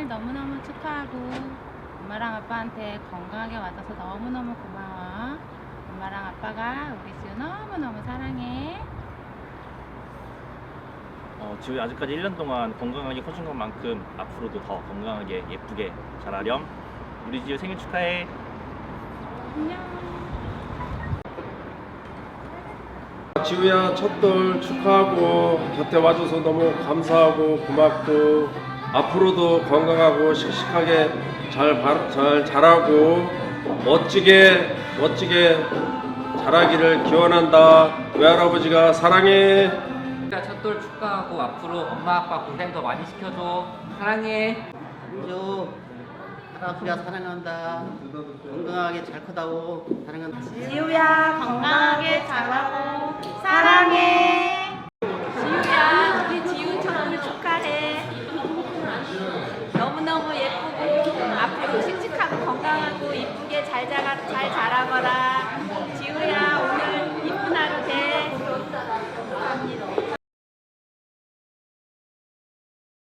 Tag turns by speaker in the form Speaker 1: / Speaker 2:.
Speaker 1: 너무너무 축하하고 엄마랑 아빠한테 건강하게 와줘서 너무너무 고마워. 엄마랑 아빠가 우리 지우 너무너무 사랑해.
Speaker 2: 지우 아직까지 1년 동안 건강하게 커준 것만큼 앞으로도 더 건강하게 예쁘게 자라렴. 우리 지우 생일 축하해.
Speaker 1: 안녕.
Speaker 3: 지우야, 첫돌 축하하고 곁에 와줘서 너무 감사하고 고맙고 앞으로도 건강하고 씩씩하게 잘 자라고 멋지게 자라기를 기원한다. 외할아버지가 사랑해.
Speaker 4: 첫돌 축하하고 앞으로 엄마 아빠 고생 더 많이 시켜줘. 사랑해.
Speaker 5: 지우, 할아버지가 사랑한다. 건강하게 잘 크다고 사랑한다.
Speaker 1: 지우야 건강하게 자라고 사랑해. 지우야 우리 지우 첫돌 축하해. 너무너무 예쁘고 앞으로 씩씩하고 건강하고 이쁘게 잘 자라거라.